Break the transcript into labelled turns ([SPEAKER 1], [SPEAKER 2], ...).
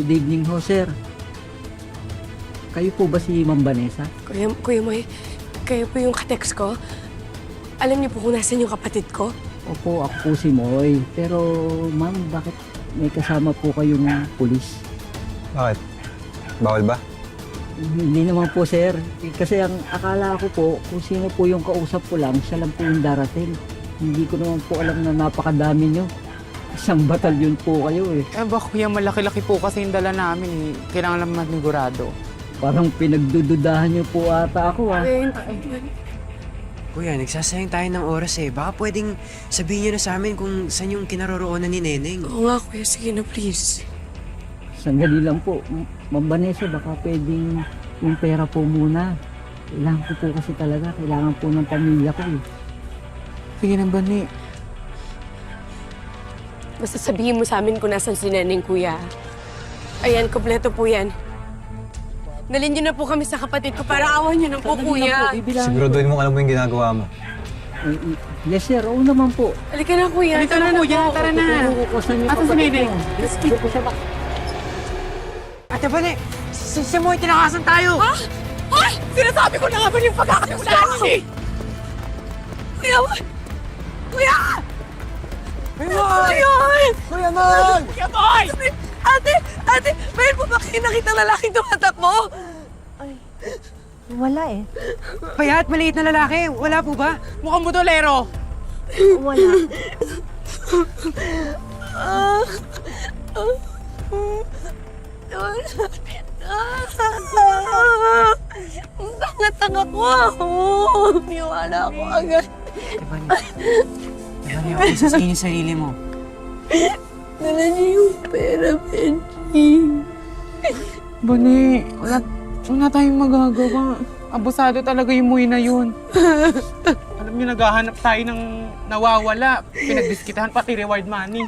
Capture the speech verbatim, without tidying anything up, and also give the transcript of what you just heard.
[SPEAKER 1] Good evening ho, sir. Kayo po ba si Ma'am Vanessa?
[SPEAKER 2] Kuya, Kuya Moy, kayo po yung katext ko? Alam niyo po kung nasan yung kapatid ko?
[SPEAKER 1] Opo, ako po si Moy. Pero, ma'am, bakit may kasama po kayong pulis?
[SPEAKER 3] Bakit? Bawal ba?
[SPEAKER 1] Hindi naman po, sir. Eh, Kasi ang akala ko po, kung sino po yung kausap ko lang, siya lang po yung darating. Hindi ko naman po alam na napakadami nyo. Isang batalyon po kayo eh.
[SPEAKER 4] Eh ba kuya, malaki-laki po kasi yung dala namin eh. Kailangan lang manigurado.
[SPEAKER 1] Parang pinagdududahan nyo po ata ako ah.
[SPEAKER 2] Kuya,
[SPEAKER 5] Kuya, nagsasayang tayo ng oras eh. Baka pwedeng sabihin niyo na sa amin kung saan yung kinaroroonan ni Neneng.
[SPEAKER 2] oo nga kuya, sige na please.
[SPEAKER 1] Sandali lang po. M- Ma'am Vanessa, baka pwedeng yung pera po muna. Kailangan ko po kasi talaga. Kailangan po ng pamilya ko eh.
[SPEAKER 4] Sige na ba ni?
[SPEAKER 2] Basta sabihin mo sa amin kung nasan si Neneng, kuya. Ayan, kompleto po yan. Dalhin niyo na po kami sa kapatid ko para awan niyo na po,
[SPEAKER 1] Sandali lang
[SPEAKER 2] kuya.
[SPEAKER 1] po, bibilangin ko.
[SPEAKER 3] Siguraduhin mo alam mo yung ginagawa mo.
[SPEAKER 1] Eh, eh, Yes sir, oo naman po.
[SPEAKER 2] Halika na, kuya.
[SPEAKER 4] Halika na kuya, tara na.
[SPEAKER 1] Kukukusan niyo
[SPEAKER 4] Asan si
[SPEAKER 1] kapatid
[SPEAKER 4] Neneng?
[SPEAKER 1] ko. Dito po siya ba?
[SPEAKER 5] Ate Bane, si, si Moy, tinakasan tayo!
[SPEAKER 2] Ha? Ay! Sinasabi ko na nga ba yung pagkakasimulaan niyo eh! Kuya! Kuya!
[SPEAKER 5] Moy!
[SPEAKER 2] Kuya!
[SPEAKER 5] Kuya Moy!
[SPEAKER 2] Kuya Boy! Ate! Ate! Mayroon po ba kayo nakita lalaking tumatakbo?
[SPEAKER 6] Wala eh.
[SPEAKER 5] Payat, maliit na lalaki. Wala po ba?
[SPEAKER 4] Mukhang butolero!
[SPEAKER 6] Wala.
[SPEAKER 2] Ang tanga-tanga ko! Niwala ako agad.
[SPEAKER 5] Ate Bane, Ate Bane, ako sa yung sarili mo.
[SPEAKER 2] Dala niyo yung pera, Benji.
[SPEAKER 4] Bani, wala, wala tayong magagawa. Abusado talaga yung Moy na yun. Alam niyo, naghahanap tayo ng nawawala. Pinagdiskitahan pati reward money.